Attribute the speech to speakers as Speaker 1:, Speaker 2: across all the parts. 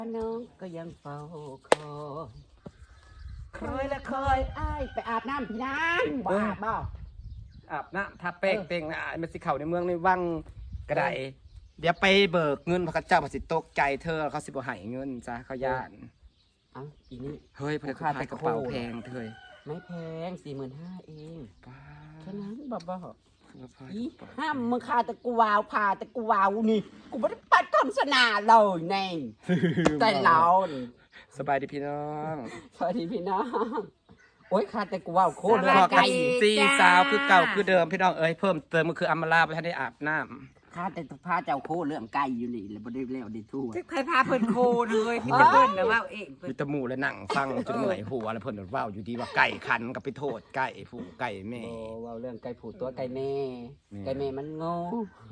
Speaker 1: น้องก็ยังเฝ้าคอยละคอยอ้ายไปอาบน้ำพี่นางบ่อาบบ่
Speaker 2: อาบน้ำทาแป้งเต็งนะมันสิเข่าในเมืองในวังกระไดเดี๋ยวไปเบิกเงินพระเจ้าพระสิตกใจเธอเขาสิบ่ให้เงินจ้ะเขาย่าน
Speaker 1: เอ้าอีนี่
Speaker 2: เฮ้ยพระค่ากระเป๋าแพงเธอ
Speaker 1: ไม่แพง45,000เอง
Speaker 2: ป้า
Speaker 1: แค่นั้นบ่อีห้า
Speaker 2: ม
Speaker 1: มึงขาแต่กูวาวพาแต่กูวาวนี่กูไม่ได้ปัดคำสนาเลยแน่แต่เรา
Speaker 2: สบายดีพี่น้อง
Speaker 1: สวัสดีพี่น้องโอ้ยขาแต่กูวาวโคตร
Speaker 2: ไก่ซีสาวคือเก่าคือเดิมพี่น้องเอ้ยเพิ่มเติมมันคืออัมมาลาไปให้ได้อาบน้ำ
Speaker 1: ข้าแต่พาเจ้าโคเรื่องไก่อยู่นี่แล้วบ่ได้แล้วได้ทั่ว
Speaker 3: ใครพาเพิ่นโคเลยพี่ตะเพิ่นนะว่าเอง
Speaker 2: มีตะมูและหนังฟังจนเหนื่อยหัวแล้วเพิ่นว่าอยู่ดีว่าไก่คันกับไปโทษไก่ผู้ไก่แม่
Speaker 1: โอ้ว่าเรื่องไก่ผูตัวไก่แม่ไก่แม่มันโง่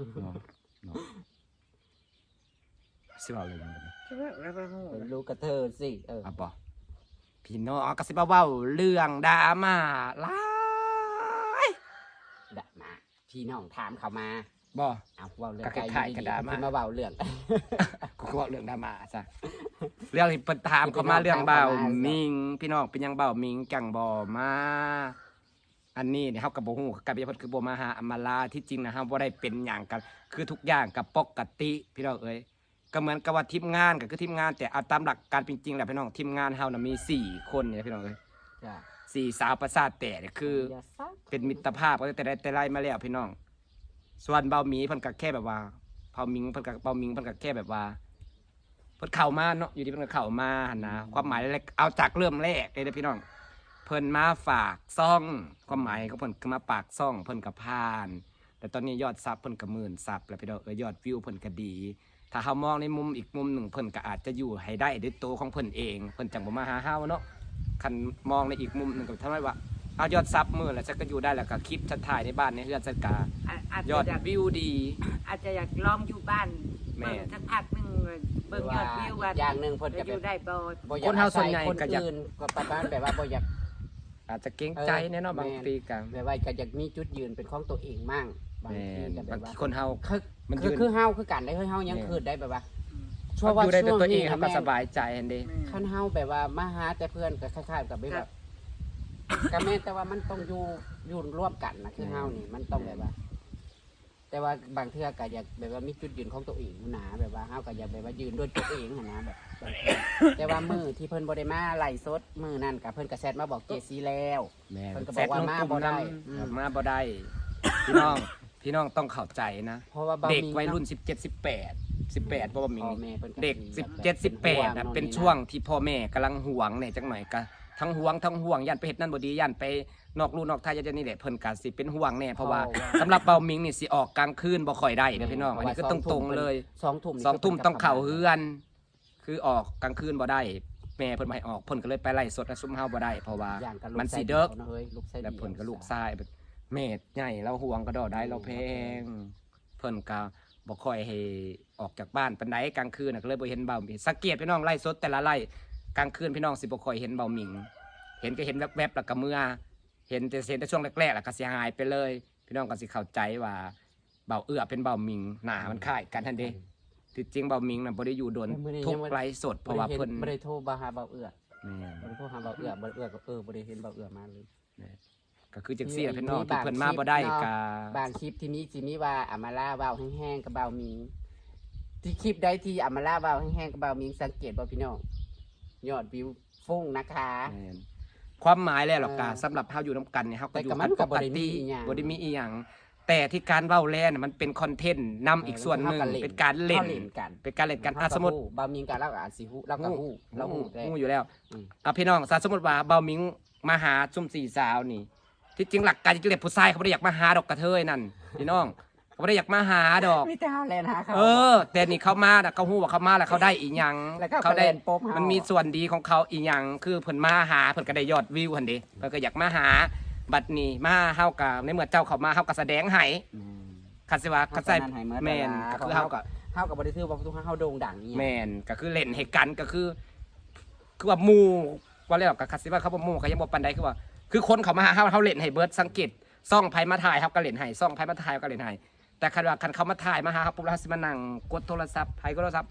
Speaker 2: สิว่าเลย
Speaker 1: รู้กระเธอสิ
Speaker 2: อ่ะบ่พี่น้องก็สิบ่เว้าเรื่องดราม่าหลาย
Speaker 1: ดราม่าพี่น้องถามเขามา
Speaker 2: บ่
Speaker 1: เอาเว้าเรื่อง
Speaker 2: ไก่กระดามา
Speaker 1: เว้าเรื่อง
Speaker 2: กูก็เว้าเรื่องดราม่าซะเรื่องที่เพิ่นถามเขามาเรื่องเบามิงพี่น้องเป็นยังเบามิงจังบ่มาอันนี้เนี่ยเฮาก็บ่ฮู้กับเพิ่นคือบ่มาหาอำมาลาที่จริงนะเฮาบ่ได้เป็นหยังกันคือทุกอย่างก็ปกติพี่น้องเอ้ยก็เหมือนกับว่าทีมงานก็คือทีมงานแต่เอาตามหลักการจริงๆแหละพี่น้องทีมงานเฮาน่ะมี4คนเนี่ยพี่น้องเอ้ย
Speaker 1: จ้ะ
Speaker 2: 4สาวประสาทแต่เนี่ยคือเป็นมิตรภาพก็แต่ไล่มาแล้วพี่น้องส่วนเบาหมีเพิ่นก็แค่แบบว่าเบาหมิงเพิ่นก็แค่แบบว่าเพิ่นเข้ามาเนาะอยู่ที่เพิ่นก็เข้ามาหั่นนะความหมายแรกเอาจากเริ่มแรกเลยเด้อพี่น้องเพิ่นมาฝากซ่องความหมายของเพิ่นคือมาปากซ่องเพิ่นก็ผ่านแต่ตอนนี้ยอดซับเพิ่นก็10,000ซับแล้วพี่น้องยอดวิวเพิ่นก็ดีถ้าเฮามองในมุมอีกมุมหนึ่งเพิ่นก็อาจจะอยู่ให้ได้ด้วยตัวของเพิ่นเองเพิ่นจังบ่มาหาเฮาเนาะคันมองในอีกมุมหนึงก็ทำให้ว่าเอายอดซับมื้อแล้วฉันก็อยู่ได้แล้วก็คลิปฉันถ่ายในบ้านในเฮือนฉันก็ยอดวิวดี
Speaker 3: อาจจะอยากลองอยู่บ้านแม่สักพักนึงเบิ่งยอดวิวว่า
Speaker 1: อย่างนึงเพิ่นก็
Speaker 3: อยู่ได้บ่
Speaker 2: คนเฮาส่วนใหญ่ก็
Speaker 1: อยากก็ประมาณแบบว่าบ่อยาก
Speaker 2: อาจจะเกรงใจแน่เนาะบางทีก็
Speaker 1: แบบว่าก็อยากมีจุดยืนเป็นของตัวเองมั่ง
Speaker 2: บางทีก็แบบว่าคนเฮา
Speaker 1: มันคือเฮาคือกันได้เฮายังคือได้แบบว่า
Speaker 2: ช่วงอยู่ได้ตัวเองก็สบายใจอันนี้
Speaker 1: คันเฮาแบบว่ามาหาแต่เพื่อนก็คล้ายๆกับแบบก็แม่แต่ว่ามันต้องอยู่ร่วมกันนะคือเฮานี่มันต้องแบบว่าแต่ว่าบางเทื่อก็อยากแบบว่ามีจุดยืนของตัวเองหนาแบบว่าเฮาก็อยากแบบว่ายืนด้วยตัวเองนะแบบแต่ว่ามือที่เพิ่นบ่ได้มาไล่สดมือนั่นก็เพิ่นก็แชทมาบอกเจซีแล้ว
Speaker 2: เพิ่นก็บอกว่ามาบ่ได้พี่น้องต้องเข้าใจนะ
Speaker 1: เพราะว่า
Speaker 2: เด็กวัยรุ่น17 18เพราะว่ามีเด็ก17 18นะเป็นช่วงที่พ่อแม่กำลังห่วงเนี่ยจังหน่อยก็ทั้งห่วงยันไปเฮ็ดนั่นบ่ดียันไปนอกลู่นอกทางยันนี่แหละเพิ่นก็สิเป็นห่วงแน่เพราะว่าสำหรับเบามิงนี่สิออกกลางคืนบ่ค่อยได้เด้อพี่น้องอันนี้ก็ตรงๆเลย2 ทุ่มต้องเข้าเฮือนคือออกกลางคืนบ่ได้แม่เพิ่นบ่ให้ออกเพิ่นก็เลยไปไล่สดซุ่มเฮาบ่ได้เพราะว่ามันสิเด้อแล้วเพิ่นก็ลูกชายแม่ใหญ่เราห่วงก็ดอได้เราแพงเพิ่นก็บ่ค่อยให้ออกจากบ้านปานใดกลางคืนก็เลยบ่เห็นเบามิงสังเกตพี่น้องไล่สดแต่ละไล่กลางคืนพี่น้องสิบ่ค่อยเห็นเบามิงเห็นก็เห็นแวบๆแล้วก็เมื่อเห็นแต่ช่วงแรกๆแล้วก็เสียหายไปเลยพี่น้องก็สิเข้าใจว่าเบาเอื้อเป็นเบามิงหน้ามันคล้ายกันทันเด้ที่จริงเบามิงน่ะบ่ได้อยู่โดนทุกไลฟ์สดเพราะว่าเพิ่น
Speaker 1: บ่ได้โทรมาหาเบาเอื้อบ่ได้โทรหาเบาเอื้อก็บ่ได้เห็นเบาเอื้อมาเลย
Speaker 2: ก็คือจังซี่พี่น้องที่เพิ่นมาบ่ได้ก็
Speaker 1: บางคลิปที่มีว่าอามาลาเว้าแห้งๆกับเบามิงที่คลิปใดที่อามาลาเว้าแห้งๆกับเบามิงสังเกตบ่พี่น้องยอดวิวฟุ้งนะคะ
Speaker 2: ความหมายแล้วหรอกกาสำหรับเฮาอยู่นำกันเนี่ยเฮาก็อยู่กันปกติบ่ได้มีอีหยังแต่ที่การเว้าแลน่ะมันเป็นคอนเทนต์นำอีกส่วนนึงเป็นการเล่นกันสมมุติ
Speaker 1: เบามิงกันแล้วก็อาจสิฮู้แล้วก็ฮู้
Speaker 2: อยู่แล้วพี่น้องสมมุติว่าเบามิงมาหาซุ่ม4สาวนี่ที่จริงหลักการจริงๆผู้ชายเขาบ่ได้อยากมาหาดอกกระเทยนั่นพี่น้องเขาไม่ได้อยากมาหาดอก
Speaker 1: มีแต่แลนหาเขา
Speaker 2: แต่นี่เขามาเขาฮู้ว่าเขามาแล้วเขาได้อีหยังเขาได้มันมีส่วนดีของเขาอีหยังคือเพิ่นมาหาเพิ่นก็ได้ยอดวิวหั่นเด้เพิ่นก็อยากมาหาบัดนี้มาเฮาก็ในเมื่อเจ้าเข้ามาเฮาก็แสดงให้คันสิว่าคันใส่แม่นก็คือเฮา
Speaker 1: ก็บ่ได้ถือว่าทุกครั้งเฮาโด่งดังนี่
Speaker 2: แม่นก็คือเล่นให้กันก็คือว่าหมู่ว่าแล้วก็คันสิว่าเขาบ่หมู่ก็ยังบ่ปานใดคือว่าคือคนเขามาหาเฮาเล่นให้เบิดสังเกตซ่องไผมาถ่ายเฮาก็เล่นให้ซ่องไผมาถ่ายก็เล่นให้แต่คันเขามาถ่ายมาหาปุ๊บแล้วสิมานั่งกดโทรศัพท์ไผก็โทรศัพท์มัน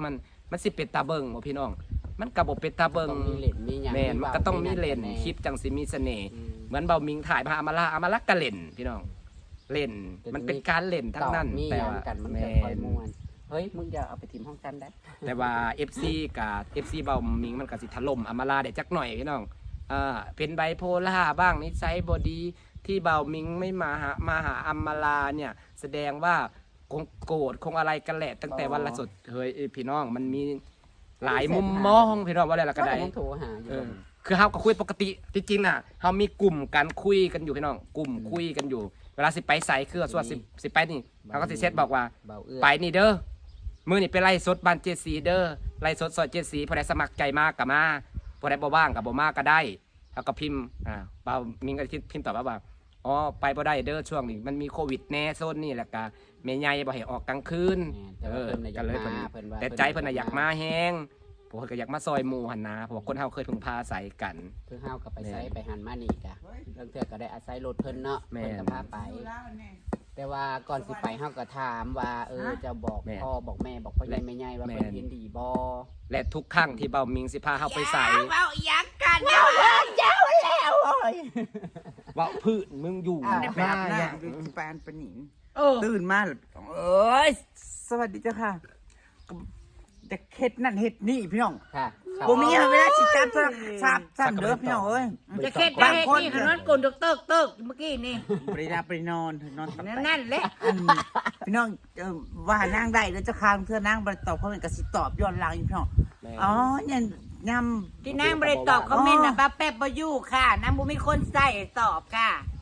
Speaker 2: มันสิเป็นตาเบิ่งบ่พี่น้องมันก็บ่เป็นตาเบิ่ง
Speaker 1: ต้องมีเล่นมีหยัง
Speaker 2: แม่นมันก็ต้องมี
Speaker 1: หยัง
Speaker 2: เล่น
Speaker 1: แน่
Speaker 2: คลิปจังสิมีเสน่ห์
Speaker 1: อืม
Speaker 2: เหมือนเบามิงถ่ายพาอามาลาก็เล่นพี่น้องเล่นมันเป็นการเล่นทั้งนั้น
Speaker 1: มี
Speaker 2: แต่
Speaker 1: หยัง
Speaker 2: ว่า
Speaker 1: กันมัน
Speaker 2: แม่
Speaker 1: จะค่อยม่วนเฮ้ยมึงอย่าเอาไปทิมห้องกันได้
Speaker 2: แต่ว่า FC กับ FC เบามิงมันก็สิถล่มอามาลาได้จักหน่อยพี่น้องเป็นไบโพล่าบ้างนิสัยบ่ดีที่เบามิงไม่มาหาอามาลาเนี่ยแสดงว่าคงโกรธคงอะไรกันแหละตั้งแต่วันละสดเฮ้ยพี่น้องมันมีหลายมุมมองพี่น้องว่าอะไรล่ะก็ได้
Speaker 1: ยังโทรหาอยู่
Speaker 2: คือเฮาก็คุยปกติจริงๆน่ะเฮามีกลุ่มการคุยกันอยู่พี่น้องกลุ่มคุยกันอยู่ เวลาสิไปใส่คือส่วนสิไปนี่เขาก็สิเซตบอกว่า
Speaker 1: เบาเอื้อ
Speaker 2: ไปนี่เด้อมื้อนี่ไปไล่สดบ้านเจสีเด้อไล่สดซอยเจสีผู้ใดสมัครใจมากก็มาผู้ใดบ่ว่างก็บ่มาก็ได้เฮาก็พิมพ์เบามิงก็พิมพ์ตอบว่าอ๋อไปบ่ได้เด้อช่วงนี้มันมีโควิดแน่โซนนี่แหละก็แม่ใหญ่บ่ให้ออกกลางคืน
Speaker 1: แต่ว่าเพิ่นน่ะอยาก
Speaker 2: ก็เลย
Speaker 1: มา
Speaker 2: เพิ่น
Speaker 1: เพิ่นว่า
Speaker 2: แต่ใจเพิ่นน่ะอยากมาแฮงพวกเพิ่นก็อยากมาซอยหมู่หั่นนะเพราะว่าคนเฮาเคยพึ่งพาอาศัยกัน
Speaker 1: คือเฮาก็ไปใช้ไปหันมานี่กะเรื่องเทื่อก็ได้อาศัยรถเพิ่นเนาะ
Speaker 2: แม่น
Speaker 1: เพิ่นก็พาไป แต่ว่าก่อนสิไปเฮาก็ถามว่าจะบอก
Speaker 2: แม่น
Speaker 1: พ่อบอกแม่บอกพ่อใหญ่แม่ใหญ่ว่า
Speaker 2: แม่น
Speaker 1: เพิ่นเห็นดีบ่
Speaker 2: และทุกครั้งที่เบามิงสิพาเฮาไปใส่
Speaker 3: เว้ายักกัน
Speaker 1: เจ้าแล้วโอ้ย
Speaker 2: เว้าพื้นมึงอยู่
Speaker 1: อ้าว
Speaker 4: ได้ไปอาบน้ำดูจิปานปะหนิง
Speaker 3: โอ้
Speaker 4: ตื่นมาแล้วเอ้ยสวัสดีเจ้าค่ะแต่เฮ็ดนั่นเฮ็ดนี่พี่น้อง
Speaker 1: ค่ะ
Speaker 4: บ่มีเวลาสิจับโทรศัพท์สั่นเด้อพี่น้องเอ้ย
Speaker 3: จะเค็ดได้เฮ็ดนี่ขนอนกลนเติกเมื่อกี้นี่
Speaker 4: บ่ได้รับไปนอนนอนตับ
Speaker 3: นั่นแหละ
Speaker 4: อันพี่น้องว่านางได้แล้วเจ้าค่ะเพื่อนางบ่ได้ตอบเขาเป็นก็สิตอบย้อนหลังอยู่พี่น้องอ๋อเนี่ยยำ
Speaker 3: ที่นางบ่ได้ตอบคอมเมนต์น่ะป้าแป๊บบ่อยู่ค่ะนางบ่มีคนใส่ตอบค่ะ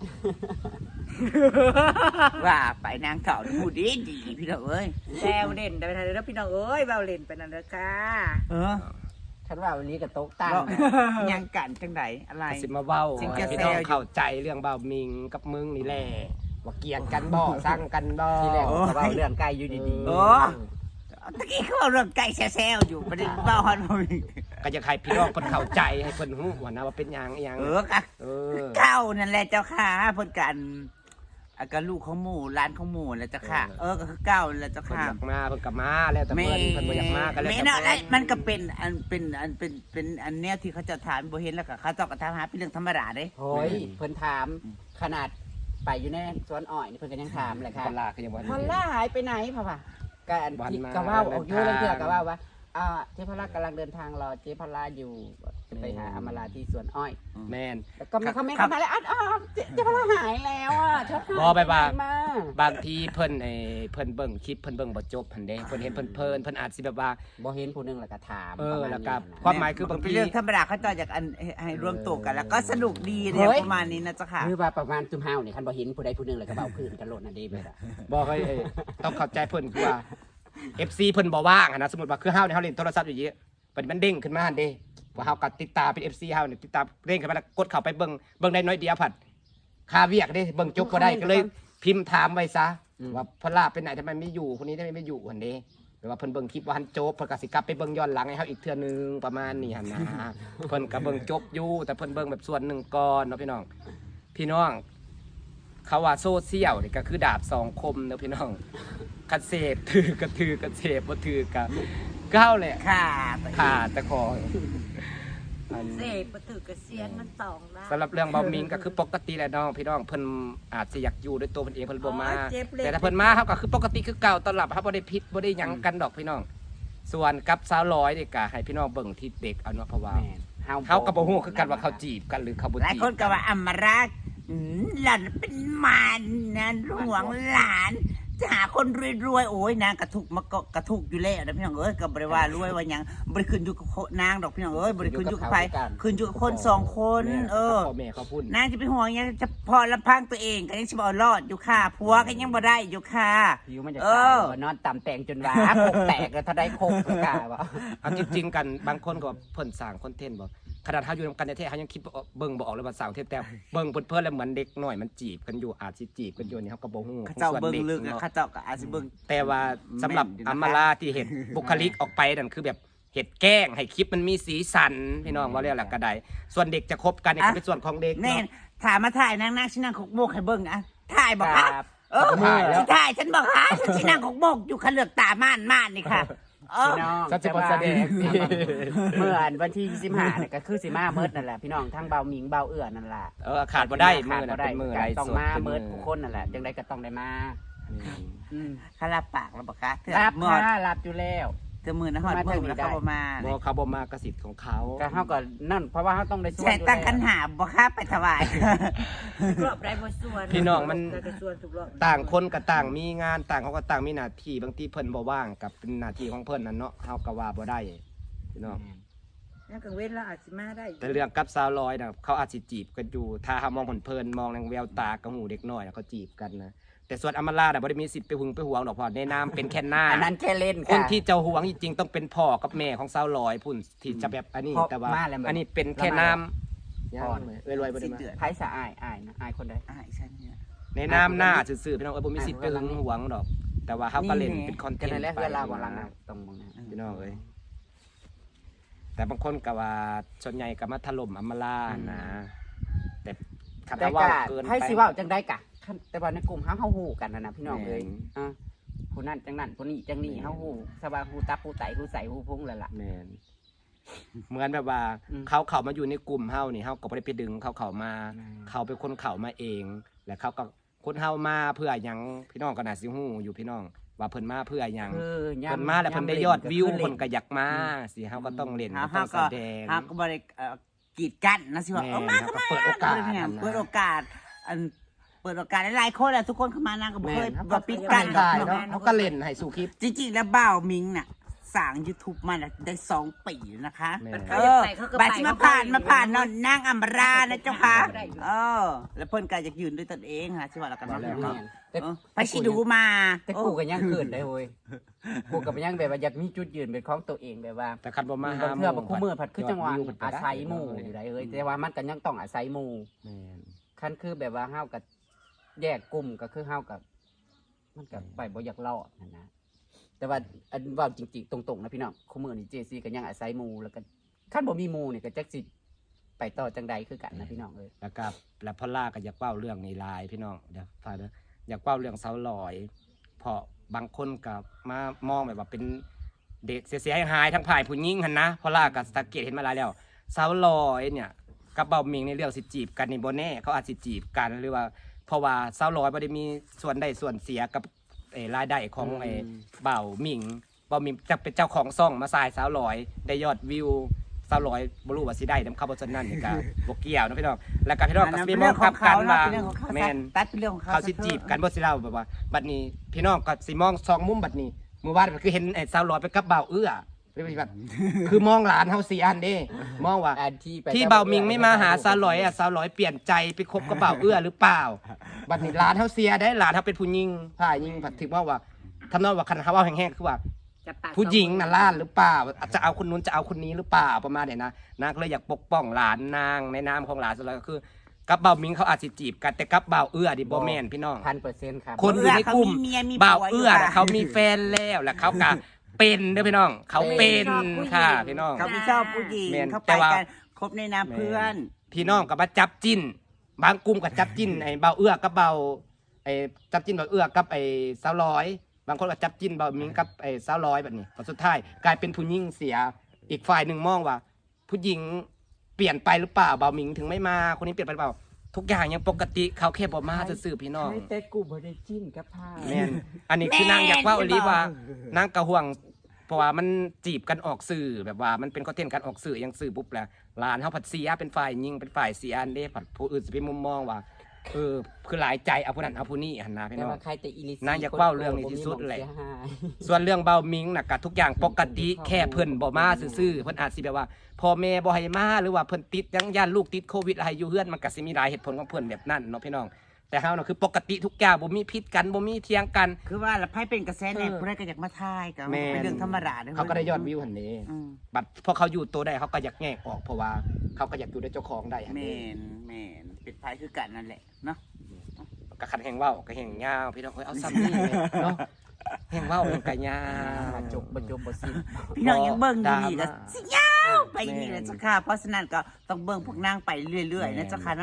Speaker 4: ว่าไปนางเก่าพูดดีพี่น้องเอ้ย
Speaker 3: แซวเล่นไปทางเด้อพี่น้องเอ้ยเว้าเล่นไปนั่นเด้อค่ะ
Speaker 4: เออ
Speaker 1: ฉันว่าวันนี้ก็ตกตั้ง
Speaker 4: ก็
Speaker 1: นะ
Speaker 4: ยังกันจังไดอะไร
Speaker 2: สิมาเว้า
Speaker 4: จริงจะ
Speaker 2: พี่น้อง
Speaker 4: แซวอยู่
Speaker 2: เข้าใจเรื่องเบามิงกับมึงนี่แหละว่าเกลียดกันบ่สร้างกันบ่
Speaker 1: ที่แรกก็เว้าเรื่องไกลอยู่ดีๆ
Speaker 4: โอ้ ตะกี้เขาเอาเรื่องไก่แซวๆอยู่ประเด็นเบ้าฮอนบ่มี
Speaker 2: ก็จะให้พี่น้องเพิ่นเข้าใจให้เพิ่นฮู้ว่านะว่าเป็นหยังอีหยัง
Speaker 4: กะ
Speaker 2: เออ
Speaker 4: เก้านั่นแหละเจ้าค่ะเพิ่นกันก็ลูกของหมู่ร้านของหมู่แหละเจ้าค่ะ ก็คือเก้านั่นแหละเจ้า
Speaker 2: เพิ่น
Speaker 4: ค่ะ
Speaker 2: อยากมาเพิ่นก็มาแล้วแต่เพิ่นบ่อยากมาก็แล้ว
Speaker 4: แม่
Speaker 2: แต่
Speaker 4: เนาะ
Speaker 2: เพิ่น
Speaker 4: มันก็เป็นอันแนวที่เขาจะถามบ่เห็นแล้วก็เขาเจ้าก็ถามหาเป็นเรื่องธรรมดาเด้
Speaker 1: โอ้ยเพิ่นถามขนาดไปอยู่ในสวนอ้อยนี่เพิ่นก็ยังถามเลยค่ะ
Speaker 2: พลาคือยังบ่
Speaker 1: พอลล่าหายไปไหนพ่อป่ะก็อัน
Speaker 2: วัน
Speaker 1: ที่
Speaker 2: มา
Speaker 1: ก็ว่าออกอยู่
Speaker 2: เดิ
Speaker 1: เรื่อน ง
Speaker 2: ทาง
Speaker 1: เทื่อก็ว่าเจ๊พลากำลังเดินทางรอเจ๊พลาอยู่จะไปหาอมราที่สวนอ้อย
Speaker 2: แม่น
Speaker 1: แล้วก็มีคอมเมนต์เข้ามาแล้วเจ๊พลาหายแล้วชอบ
Speaker 2: บ่ไปว่า
Speaker 1: มา
Speaker 2: บางทีเพิ่นเพิ่นเบิ่งคลิปเพิ่นเบิ่งบ่จบหั่นเด้เพิ่นเห็นเพิ่นอาจสิแบบว่า
Speaker 1: บ่เห็นผู้หนึงแล้วก็ถาม
Speaker 2: แล้วก็
Speaker 1: ประ
Speaker 2: ควา
Speaker 1: มาณ
Speaker 2: มหมายคือบาง
Speaker 4: เป็น
Speaker 2: ที
Speaker 4: เรื่องธรรมดาเขาเจ้าอยากอันให้รวมตัวกัน แล้วก็สนุกดีเนี่ยประมาณนี้นะเจ้าค่ะ
Speaker 1: นี้คือว่าประมาณจุ่มห้าวนี่คันบ่เห็นผู้ใดผู้หนึงแล้วก็เบาพื้นกันโลดน่ะเด้เบิดอะ
Speaker 2: บอกให้ต้องเข้าใจเพิ่นคือว่า FC เพิ่นบ่ว่างอะนะสมมุติว่าคือเฮาเนี่ยเฮาเล่นโทรศัพท์อยู่เยอะมันเด้งขึ้นมาหั่นเด้ว่าเฮาก็ติดตามเป็น FC เฮาเนี่ยติดตามเด้งขึ้นมาแล้วกดเข้าไปเบิ่งได้น้อยเดียวผัดค่าเวียกเด้เบิ่งจบบ่ได้ก็เลยพิมพ์ถามไว้ซะว่าพลาไปไหนทำไมไม่อยู่คนนี้ทำไมไม่อยู่หั่นเด้หรือว่าเพิ่นเบิ่งคลิปว่าหันจบเพิ่นก็สิกลับไปเบิ่งย้อนหลังให้เฮาอีกเทื่อนึงประมาณนี้หั่นนะเพิ่นก็เบิ่งจบอยู่แต่เพิ่นเบิ่งแบบส่วนหนึ่งก่อนเนาะพี่น้องเขาว่าโซเชียลนี่ก็คือดาบสองคมเนอะพี่น้องคันเสพถือกระถือกระเสพบ่ถือกะก้าวแหละ
Speaker 4: ค่ะ
Speaker 2: ขาดตะคออัน
Speaker 3: เสพบ่ถือกระเสียนมัน2ล้าน
Speaker 2: สำหรับเรื่องเบามิงก็คือปกติแหละน้องพี่น้องเพิ่นอาจสิอยากอยู่ด้วยตัวเพิ่นเองเพิ่นบ่มา
Speaker 3: เจ็บเลย
Speaker 2: แต่ถ้าเพิ่นมาเฮาก็คือปกติคือเก่าตอนรับเฮาบ่ได้ผิดบ่ได้หยังกันดอกพี่น้อง ส่วนกับสาวร้อยนี่ก็ให้พี่น้องเบิ่งที่เด็กเอาเนาะเพราะว่า
Speaker 1: แม่น
Speaker 2: เฮาก็บ่ฮู้คือกันว่าเขาจีบกันหรือเขาบ่
Speaker 4: หลาย
Speaker 2: จีบ
Speaker 4: คนก็ว่าอำมารักหล่อนเป็นมารนะหวงหลานจะหาคนรวยๆโอ้ยนางกระทุกมาก็กระทุกอยู่แล้วนะพี่น้องเอ้ยก็บริว่ารวยว่าหยังบริขึ้นอยู่กับนางดอกพี่น้องเอ้ยบริขึ้นอยู่กับใครขึ้นอยู่กับคนสองคน
Speaker 2: พ่อแม่เขาพูด
Speaker 4: นางจะไปห่วงหยังจะพอลำพังตัวเองก็ยังจะบ่รอดอยู่ค่ะผัวก็ยังบ่ได้อยู่ค่ะ
Speaker 1: ผิวมันจะ
Speaker 4: เอ
Speaker 1: ตาย
Speaker 4: อ
Speaker 1: นอนต่ำแต่งจนว่าโคกแตกแล้วถ้าได้โคกก็กล้าว่า
Speaker 2: เอาจริงๆกันบางคนก็เพิ่นสร้างคอนเทนต์บ่ขนาดเฮาอยู่นำกันแท้ๆเฮายังคิดเบิ่งบ่ออกเลยว่าสร้างเทปแต่เบิ่งเพิ่นแล้วเหมือนเด็กน้อยมันจีบกันอยู่อาจสิจีบกันอยู่นี่เฮาก็บ่ฮู้
Speaker 4: ข้าเจ้าเบิ่ง
Speaker 2: ส่วน
Speaker 4: ลึก
Speaker 2: เนาะ
Speaker 4: ข้าเจ้าก็อาจสิเบิ่ง
Speaker 2: แต่ว่าสำหรับ
Speaker 4: แม่นอยู่นะคะ
Speaker 2: อัมมาลาที่เห็นบุคลิกออกไปนั่นคือแบบเห็ดแกล้งให้คลิปมันมีสีสันพี่น้องว่าเรียกแหละก็ได้ส่วนเด็กจะคบกันนี่ก็เป็นส่วนของเด็ก
Speaker 4: แน่
Speaker 2: เนาะ
Speaker 4: ถามมาถ่ายนางชินางขกโมกให้เบิ่งอ่ะถ่ายบอก
Speaker 1: ค
Speaker 4: ค่ะ
Speaker 1: รับ
Speaker 4: เออ
Speaker 2: ถ่ายแล้ว
Speaker 4: ถ่ายฉันบอกค่ะฉันชินางขกโมกอยู่ขันเลือกตาม่านนี่ค่ะ
Speaker 1: พี่น้อง
Speaker 2: สัจจะบ่แสดง
Speaker 1: เมื่อวันที่25เนี่ยก็คือสิมาเมิดนั่นแหละพี่น้องทั้งเบาหมิงเบาเอื้อนั่นแหละ
Speaker 2: ขาดบ่ได้มือ
Speaker 1: ขา
Speaker 2: น่ะ
Speaker 1: บ่ได้
Speaker 2: เป็นมือ
Speaker 1: ก็
Speaker 2: ไร
Speaker 1: ต้อง
Speaker 2: สด
Speaker 1: มา
Speaker 2: เป็น
Speaker 1: เมิ
Speaker 2: มื
Speaker 1: ดทุกคนนั่นแหละจังไดก็ต้องได้มาอืม
Speaker 4: ข้ารับปากแล้วบอกคะเธอ
Speaker 1: รับ
Speaker 4: เมื่อ
Speaker 1: ค่ะรับอยู่แล้ว
Speaker 4: เธอมือนะฮอดมือแล้วเขาบ่มา
Speaker 2: บ่เขาบ่มากระสิทธิ์ของเขา
Speaker 1: ก็เฮาก็นั่นเพราะว่าเฮาต้องได้ส่วน
Speaker 4: ใช่ตั้งคันหาบอกคะไปถวาย
Speaker 3: รอบได้บ่ส่วน
Speaker 2: พี่น้องมัน
Speaker 3: ได้ส่วนทุกรอบ
Speaker 2: ต่างคนก็ต่างมีงานต่างเขาก็ต่างมีหน้าที่บางทีเพิ่นบ่ว่างกับเป็นหน้าที่ของเพิ่นนั่นเนาะเฮาก็ว่าบ่ได้พี่น้อง
Speaker 3: ยังกังเว้นแล้วอาจสิมาได้
Speaker 2: แต่เรื่องกับสาวร้อยน่ะเขาอาจสิจีบกันอยู่ถ้าเฮามองเพิ่นๆมองในแววตากระหูเด็กน้อยน่ะเขาจีบกันนะแต่ส่วนอำมาลาน่ะบ่ได้มีสิทธิ์ไปหึงไปหวงดอกเพราะในนามเป็นแค่หน้า
Speaker 1: อันนั้นแค่เล่น
Speaker 2: คน
Speaker 1: ค่ะ
Speaker 2: ที่จะหวงจริงๆต้องเป็นพ่อกับแม่ของสาวร้อยพุ่นที่จะแบบอันนี้
Speaker 1: พ่อ
Speaker 2: แต่ว่า
Speaker 1: มาแล้วแบบ
Speaker 2: อันนี้เป็นแค่น้ำ
Speaker 1: พ่อ
Speaker 2: รวยๆบ่ได้มา
Speaker 1: ไผสะอายนะอายคนใด
Speaker 4: อ่าฉันเนี่ย
Speaker 2: ในน้ำหน้าซื่อๆพี่น้องบ่มีสิทธิ์ไปหึงหวงดอก แต่ว่าเฮาก็เล่นเป็นคอนเท
Speaker 1: กัน
Speaker 2: น
Speaker 1: นั่น
Speaker 2: ต์
Speaker 1: แหละ
Speaker 2: ไป
Speaker 1: เวลาบ่หลังนะตรงมองนะ
Speaker 2: พี่น้องเอ้ยแต่บางคนก็ว่าส่วนใหญ่ก็มาถล่มอำมาลานะแต่คัน
Speaker 1: แต่
Speaker 2: ว่า
Speaker 1: ก็
Speaker 2: เกิน
Speaker 1: ให้
Speaker 2: ไป
Speaker 1: สิเว้าจังได้กะคันแต่ว่าในกลุ่มเฮาฮู้กันนะพี่น้องเอ้ย
Speaker 2: แม่น
Speaker 1: อ่ะผู้นั้นจังนั้นผู้นี้จังนี้เฮาฮู้สบายฮู้ตับฮู้ไตฮู้ใสฮู้พุงแล้วล่ะ
Speaker 2: แม่นเหมือนแบบว่า
Speaker 1: อืม
Speaker 2: เขามาอยู่ในกลุ่มเฮานี่เฮาก็บ่ได้ไปดึงเขามา
Speaker 1: อืม
Speaker 2: เขาเป็นคนเข้ามาเอง และเขาก็คนเฮามาเพื่อหยังพี่น้องก็น่าสิฮู้อยู่พี่น้อง ว่าเพิ่นมาเพื่อหยัง
Speaker 1: คือย่ำ
Speaker 2: เพิ่นมาแล้วเพิ่นได้ยอดวิว
Speaker 1: ย่ำ
Speaker 2: เพิ่นก็
Speaker 1: เล่
Speaker 2: อยากมาสิเฮาก็ต้องเล่น
Speaker 4: เฮา
Speaker 2: ก็ต้อง
Speaker 4: ก็
Speaker 2: แสดง
Speaker 4: เฮาก็บ่ได้กีดกันนะสิว่า
Speaker 2: แม่
Speaker 4: เอามา
Speaker 2: เขาก็เปิดโอกาส
Speaker 4: เนี่ย
Speaker 2: อันนั้นนะ
Speaker 4: เปิดโอกาสอันเปิดโอกาสหลายๆคนแหละทุกคนเข้ามานางก็บ่เคย
Speaker 2: แม่น
Speaker 4: บ่ปิดกันดอก
Speaker 2: ได้
Speaker 4: เนาะ
Speaker 2: เนาะเขาก็เล่นให้สู่คลิป
Speaker 4: จริงๆแล้วบ่าวมิงน่ะสร้าง YouTube มาน่ะได้2 ปีแล้วนะคะ
Speaker 2: แม่น
Speaker 3: เขาอยากไปเขาก็ไป
Speaker 4: บัดสิมาผ่านเนาะนางอัมรานะเจ้าค่ะแล้วเพิ่นก็อยากยืนด้วยตนเองค่ะสิว่าแล้วกัน
Speaker 2: ว่าแล้ว
Speaker 4: เนาะ
Speaker 1: แต่
Speaker 4: ไปสิดูมา
Speaker 1: แต่กูก็ยังเกินได้เว้ยกูก็ยังแบบว่าอยากมีจุดยืนเป็นของตัวเองแบบว่า
Speaker 2: แต่คันบ่มา
Speaker 1: บา
Speaker 2: หาง
Speaker 1: เทื่อบ่คู่มือผัดคือจังหวะ
Speaker 2: ยดวิเพิ่นก็
Speaker 1: อา
Speaker 2: ได้
Speaker 1: ศัยหมู่อยู่ได้เอ้ยแต่ว่ามันก็ยังต้องอาศัยหมู่
Speaker 2: แม่น
Speaker 1: คันคือแบบว่าเฮากับแยกกลุ่มก็คือเฮากับมันก็ไปบ่อยากรอดนั่นนะแต่ว่าอันเว่าจริงๆตรงๆนะพี่น้องคู่มือนี่เจซีก็ยังอาศัยหมู่แล้วก็คันบ่มีหมู่นี่ก็จักสิไปต่อจังใดคือกันนะพี่น้องเอ้ย
Speaker 2: แล้วก็แล้วพ่อล่าก็อยากเว้าเรื่องในไลน์พี่น้องเดี๋ยวฟังเด้ออยากเว้าเรื่องสาวลอยเพราะบางคนก็มามองแบบว่าเป็นเด็กเสียหายทั้งฝ่ายผู้หญิงหั่นนะพ่อล่าก็สังเกตเห็นมาหลายแล้วสาวลอยเนี่ยกับเบาหมิงในเรื่องสิจีบกันนี่บ่แน่เขาอาจสิจีบกันหรือว่าเพราะว่าสาวลอยบ่ได้มีส่วนได้ส่วนเสียกับรายได้ของเบาหมิงจะเป็นเจ้าของซ่องมาสายสาวลอยได้ยอดวิวสาวลอยบ่รู้ว่าสิได้นำเข้าบ่ซั่นนั่นนี่ก็บ่เกี่ยวนะพี่น้องแล้วก็พี่น้องก็สิไปมองกลับกันว่าแม่น
Speaker 4: ตัดเป็นเรื่องของเขา
Speaker 2: เขาสิจีบกันบ่สิเล่าแบบว่าบัดนี้พี่น้องก็สิมองสองมุมบัดนี้เมื่อวานคือเห็นไอ้สาวลอยไปกับบ่าวเอื้อเป็นแบบคือมองหลานเฮา4อันเด้มองว่า
Speaker 1: อันที่ไป
Speaker 2: ที่บ่าวมิงไม่มาหาสาวลอยอ่ะสาวลอยเปลี่ยนใจไปคบกับบ่าวเอื้อหรือเปล่าบัดนี้หลานเฮาเสียได้หลานเฮาเป็นผู้หญิงฝ่ายหญิงผัดถึงว่าทำนองว่าคันเขาเว้าแห้งๆคือว่า
Speaker 3: จะปาก
Speaker 2: ผู้หญิงน่ะล้านหรือเปล่าจะเอาคนนู้นจะเอาคนนี้หรือเปล่าประมาณเนี้ยนะนางก็เลยอยากปกป้องหลานนางในนามของหลานสุดแล้วก็คือกับเบามิงเขาอาจสิจีบกันแต่กับเบาเอื้อดิบ่แม่นพี่น้อง
Speaker 1: 1,000%ครับ
Speaker 2: คนอยู่ในกลุ่ม
Speaker 4: เขามีเมียมีผัว
Speaker 2: เบาเอื้อ
Speaker 4: อยู่
Speaker 2: น่ะเขามีแฟนแล้วและเขาก็เป็นเด้อพี่น้อง เขาเป็นค่ะพี่น้อง
Speaker 4: เขาไม่ชอบผู้หญิง
Speaker 2: แม่น
Speaker 4: เขา
Speaker 2: แต่
Speaker 4: ไป
Speaker 2: ว่า
Speaker 4: กันคบในนามเพื่อน
Speaker 2: พี่น้องก็มาจับจิ้น บางกลุ่มก็จับจิ้นไอ้เบาเอื้อกับเบาไอ้จับจิ้นเบาเอื้อกับไอ้สาวร้อย บางคนก็จับจิ้นเบามิงกับไอ้สาวร้อยแบบนี้พอสุดท้ายกลายเป็นผู้หญิงเสียอีกฝ่ายหนึ่งมองว่า ผู้หญิงเปลี่ยนไปหรือเปล่าเบามิงถึงไม่มาคนนี้เปลี่ยนไปหรือเปล่า ทุกอย่างยังปกติเขาแค่บ่มาซื่อๆพี่น้อง
Speaker 1: ใช่แต่กูบ่ได้จิ้นกับผ้า
Speaker 2: แม่นอันนี้คือนางอยากว่าอลีว่านางกระห่วง เพราะว่ามันจีบกันออกสื่อแบบว่ามันเป็นคอนเทนต์การออกสื่อยังสื่อปุ๊บแล้วหลานเฮาผัดเสียเป็นฝ่ายยิงเป็นฝ่ายเสียอันเด้ผัดผู้อื่นสิเป็นมุมมองว่าคือหลายใจเอาผู้นั้นเอาผู้นี้หั่นนะพี่
Speaker 1: แต่
Speaker 2: น้อง
Speaker 1: ว่าใครแต่อีลิ
Speaker 2: นางอยากเว้าเรื่องนี้ที่สุดแหละ ส่วนเรื่องเบามิงน่ะก็ทุกอย่างปกติแค่เพิ่นบ่มาซื่อๆเพิ่นอาจสิแบบว่าพ่อแม่บ่ให้มาหรือว่าเพิ่นติดยังย่านลูกติดโควิดอะไรอยู่เฮือนมันก็สิมีหลายเหตุผลของเพิ่นแบบนั้นเนาะพี่น้องแต่เฮาน่ะคือปกติทุกอย่างบ่มีพิษกันบ่มีเถียงกัน
Speaker 4: คือว่าแล้วไพ่เป็นกระแสแน่ผู้ใดก็อยากมาทายก็
Speaker 2: แม่น
Speaker 4: เป็นเรื่องธรรมดาด้อ
Speaker 2: เขาก็ได้ยอดวิวหั่นนี้
Speaker 4: อืม
Speaker 2: บัดพอเขาอยู่ตัวได้เขาก็อยากแยกออกเพราะว่าเขาก็อยากอยู่ด้วยเจ้าของได้หั่น
Speaker 4: แม่
Speaker 2: นี้
Speaker 4: นแม่นเป็นไพ่คือกันนั่นแหละเนาะ
Speaker 2: ก็คันแห่งเว้าก็แห่งยาวพี่น้องเอ้ยเอาซ้ำนี่เลยเนาะแห่งเว้าแห่งก็ยาว
Speaker 1: บ่จบบ่สิ้น
Speaker 4: พี่น้องยังเบิ่งอยู่นี่ก็
Speaker 2: ดราม่า
Speaker 4: สิยาวไปนี่แหละเจ้าค่ะเพราะฉะนั้นก็ต้องเบิ่งพวกนางไปเรื่อยๆนะเจ้าค่ะเนาะ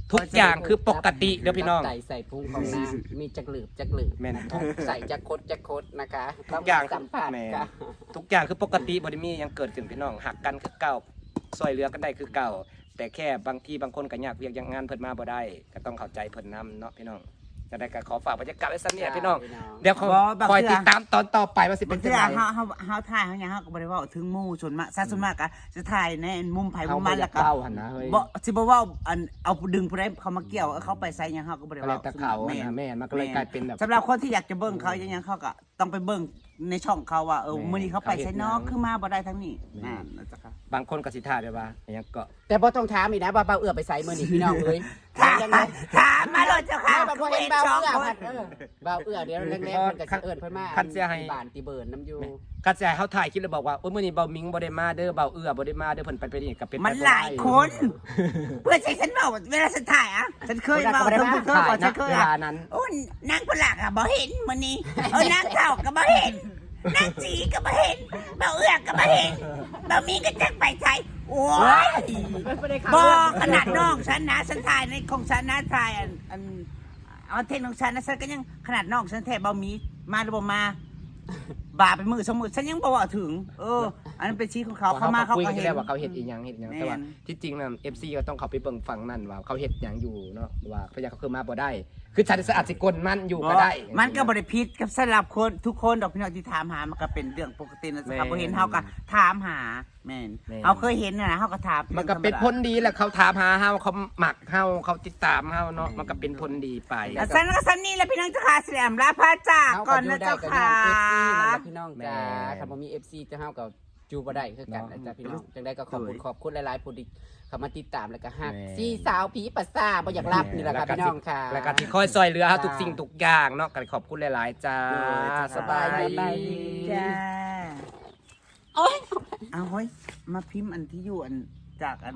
Speaker 2: ทุกอย่างคือปกติเด้อพี่น้อง
Speaker 1: ใส่ใส่พุงของนางมีจักหลืบจักหลืบ
Speaker 2: แม่น
Speaker 1: นะคะใส่จักคดจักคดนะคะ
Speaker 2: ทุกอย่าง
Speaker 1: สัมผัส
Speaker 2: แม่
Speaker 1: ค่ะ
Speaker 2: ทุกอย่างคือปกติบ่ได้มีหยังเกิดขึ้นพี่น้องหักกันคือเก่าซอยเหลือกันได้คือเก่าแต่แค่บางทีบางคนก็ยากเวียกอย่างงานเพิ่นมาบ่ได้ก็ต้องเข้าใจเพิ่นนํเนาะพี่น้องจะได้ก็ขอฝากบรรยากาศไว้ซั่นเนี่ยพี่น้องเดี๋ยวเขาคอยติดตามตอนต่อไปว่าสิ
Speaker 4: เป็
Speaker 2: เป็น น
Speaker 4: เทื่
Speaker 2: จัง
Speaker 4: อ
Speaker 2: ได๋
Speaker 4: เฮาถ่ายเฮาหยังเฮาก็บ่ได้เว้าถึงหมู่ส่วนมากซะส่วนมากก็จะถ่ายในมุมไผมุมมันแล้วก็
Speaker 1: เล่าหันนะเฮ้ย
Speaker 4: บ่สิบ่เว้าอันเอาดึงผู้ใดเขามาเกี่ยวเอาเขาไปใส่หยังเฮาก็บ่ได้
Speaker 1: ก็เล
Speaker 4: เว้าย
Speaker 1: ตะเขาอะนะแม่มันก็เลยกลายเป็นแบบ
Speaker 4: สำหรับคนที่อยากจะเบิ่งเขาอย่างเขาก็ต้องไปเบิ่งในช่องเขาว่ามื้อนี้เขาไปใส่นอกคือมาบ่ได้ทั้งนี้นั่นจ้ะค่ะ
Speaker 2: บางคนก็สิท่าได้ว่าหยังก็
Speaker 1: แต่บ่ต้องถามอีกนะว่าเบาเอื้อไปใส่มื้อนี้พี่น้องเอ้ย
Speaker 4: ถามมาเลยเจ้าค่ะ
Speaker 1: ไม่บ่เห็นเบาเอื้อพัดเบาเอื้อเดี๋ยวแรกๆมันก็สิเอิ้นเพิ่นมา
Speaker 2: คันเสียให้
Speaker 1: บ้านติเบิร์นน้ำอยู่
Speaker 2: คันสิให้เฮาถ่ายคลิปแล้วบอกว่าโอ้ยมื้อนี้เบามิงบ่ได้มาเด้อเบาเอื้อบ่ได้มาเด้อเพิ่นไปนี่ก็เป็นไป
Speaker 4: มัน
Speaker 2: บ่
Speaker 4: ห
Speaker 2: ได้
Speaker 4: ลายคน เพื่อใช้ฉันบอกเวลาฉันถ่ายอ่ะฉันเคยบอกเธอเคยบอกฉันเคย
Speaker 2: เว
Speaker 4: อ่ะ
Speaker 2: ลานั้น
Speaker 4: โอ้นางคนหลักอ่ะบ่เห็นมื้อนี้นางเฒ่าก็บ่เห็นนางจีก็บ่เห็นเบาเอื้อก็บ่เห็นเบามีก็จักไปใช้โอ้ยบ่ขนาดน้องฉันนะฉันถ่ายในของฉันนะถ่ายอันเอาเทคของฉันนะฉันก็ยังขนาดน้องฉันแท้เบามีมาหรือบ่มาบาเป็นมือสมมุติฉันยังบ่ว่าถึงอันนั้นเป็นชี้ของเขาเข้ามาเขา
Speaker 2: คุย
Speaker 4: ก็
Speaker 2: กัน
Speaker 4: เห็น
Speaker 2: แล้วว่าเขาเฮ็ดอีหยังเฮ็ดหยังแต่ว่า
Speaker 4: แม่น
Speaker 2: ที่จริงน่ะ FC ก็ต้องเข้าไปเบิ่งฝั่งนั้นว่าเขาเฮ็ดหยังอยู่เนาะว่าพยาเขาคือมาบ่ได้ คือฉันอาจสิกลมันอยู่ก็ได้
Speaker 4: มันก็บริพิษกับสำหรับคนทุกคนดอกพี่น้องที่ถามหามันก็เป็นเรื่องปกตินะครั
Speaker 2: แม่น
Speaker 4: บพอเห็นเฮาก็ถามหาแม่น
Speaker 2: แม่น
Speaker 4: เฮาเคยเห็นนะเฮาก็ถาม
Speaker 2: มันก็เป็นผลดีแหละเขาถามหาเฮาเขาหมักเฮาเขาติดตามเฮาเนาะมันก็เป็นผลดีไป
Speaker 4: อ่ะสันก็สันนี่แหละพี่น้องเจ้าค่ะเสียมลาพระจากก่อนนะเจ้าค่ะ
Speaker 1: พี่น้องจ้าถ้าบ่มี FC จะเฮากับจูบ่ได้คือกันนะจ๊ะพี่น้องจังได๋ก็ขอบคุณหลายๆผู้ที่เข้ามาติดตามแล้วก็ฮักซี่สาวผีปัสซ่าบ่อยากรับนี่แหละค่ะพี่น้องค่ะ
Speaker 2: แล้วก็ที่คอยซอยเหลือเฮาทุกสิ่งทุกอย่างเนาะก็ขอบคุณหลายๆจ้าสบายดี
Speaker 4: จ้าโอ้ยเอาเฮ้ยมาพิมพ์อันที่อยู่อันจากอัน